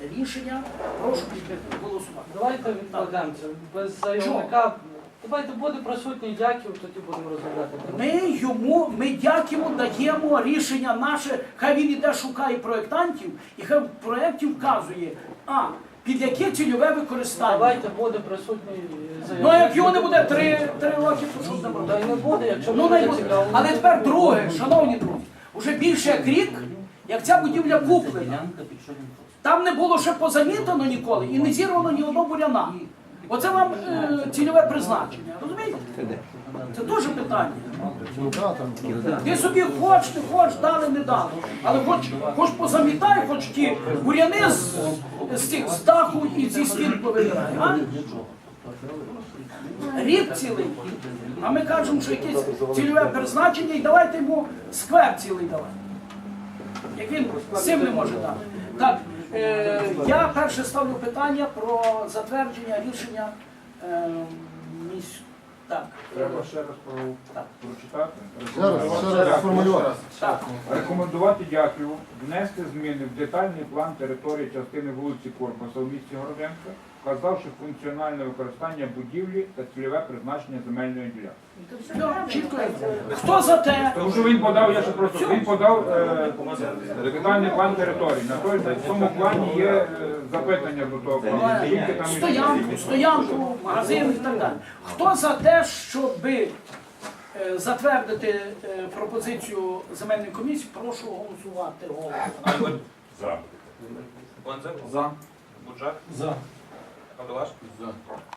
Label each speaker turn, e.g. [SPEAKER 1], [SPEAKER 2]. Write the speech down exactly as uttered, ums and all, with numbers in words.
[SPEAKER 1] рішення. Прошу голосувати.
[SPEAKER 2] Давайте відкладемо це. Без заявника. Давайте буде присутній Дяків, тоді будемо розглядати.
[SPEAKER 1] Ми йому, ми дякуємо, даємо рішення наше, хай він іде шукає проєктантів, і хай в проєкті вказує, а, під яке цільове використання.
[SPEAKER 2] Давайте буде присутній заявник.
[SPEAKER 1] Ну, а як його не буде три, три роки, то що з ним
[SPEAKER 2] Та й
[SPEAKER 1] робити?
[SPEAKER 2] не буде, якщо
[SPEAKER 1] Ну,
[SPEAKER 2] буде
[SPEAKER 1] не буде.
[SPEAKER 2] цікаво.
[SPEAKER 1] Але тепер друге, шановні друзі, уже більше як рік, як ця будівля куплена, там не було ще позамітано ніколи і не зірвано ні одного буряна. Оце вам е, цільове призначення, розумієте? Це теж питання. Ти собі хоч, не хоч, дали, не дали. Але хоч, хоч позамітай, хоч ті буряни з, з, цих, з даху і зі стін повибирай. А? Рік цілий. А ми кажемо, що якесь цільове призначення, і давайте йому сквер цілий давати. Як він з цим не може дати. Так, е, я перше ставлю питання про затвердження рішення е, місь... Так.
[SPEAKER 3] Треба ще раз про...
[SPEAKER 1] Так.
[SPEAKER 3] прочитати.
[SPEAKER 4] Ще раз, ще раз сформулювати.
[SPEAKER 1] Так.
[SPEAKER 3] Рекомендувати Дяківу внести зміни в детальний план території частини вулиці Корпуса в місті Городенка, вказавши функціональне використання будівлі та цільове призначення земельної ділянки.
[SPEAKER 1] Все, чітко. Хто за те?
[SPEAKER 3] Тому що він подав, я ще просто, він подав е, детальний план території. На той, в цьому плані є е, запитання до того плану. Скільки там і-
[SPEAKER 1] Стоянку, стоянку, магазин і так далі. Хто за те, щоб затвердити е, пропозицію земельної комісії, прошу голосувати. Голосом.
[SPEAKER 5] За. Концев?
[SPEAKER 3] За.
[SPEAKER 5] Буджак?
[SPEAKER 2] За.
[SPEAKER 5] Кандалаш? За.